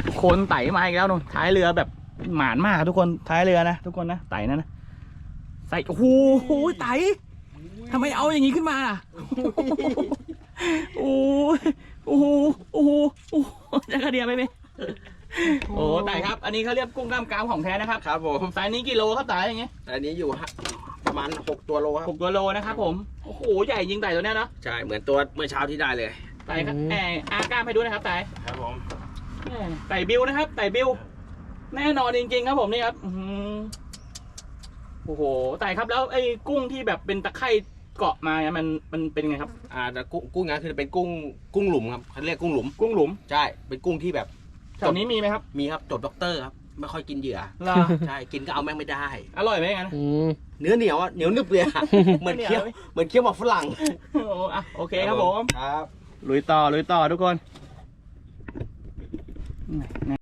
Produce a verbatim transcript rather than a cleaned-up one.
คนไต่มาอีกแล้วนู่นท้ายเรือแบบหมานมากทุกคนท้ายเรือนะทุกคนนะไต่นั่นนะใส่โอ้โหไต่ทำไมเอาอย่างนี้ขึ้นมาล่ะโอ้โหโอ้โหโอ้โหจะกระเดียบไปไหมโอ้ไต่ครับอันนี้เขาเรียกกุ้งกล้ามกรามของแท้นะครับครับผมไซส์นี้กี่โลครับไต่อย่างเงี้ยอันนี้อยู่ประมาณหกตัวโลครับหกตัวโลนะครับผมโอ้โหใหญ่จริงไต่ตัวเนี้ยเนาะใช่เหมือนตัวเมื่อเช้าที่ได้เลยไต่ครับแอบอากล้ามให้ดูนะครับไต่ครับผมไต่บิวนะครับไต่บิวแน่นอนจริงๆครับผมนี่ครับโอ้โหไต่ครับแล้วไอ้กุ้งที่แบบเป็นตะไคร่เกาะมามันมันเป็นไงครับอ่ากุ้งกุ้งนั้นคือเป็นกุ้งกุ้งหลุมครับเขาเรียกกุ้งหลุมกุ้งหลุมใช่เป็นกุ้งที่แบบแถวนี้มีไหมครับมีครับจบด็อกเตอร์ครับไม่ค่อยกินเหยื่อใช่กินก็เอาแม่งไม่ได้อร่อยไหมงั้นเนื้อเหนียวอ่ะเหนียวนึบเลยเหมือนเคี้ยวเหมือนเคี้ยวหมากฝรั่งโอ้อะโอเคครับผมครับลุยต่อลุยต่อทุกคน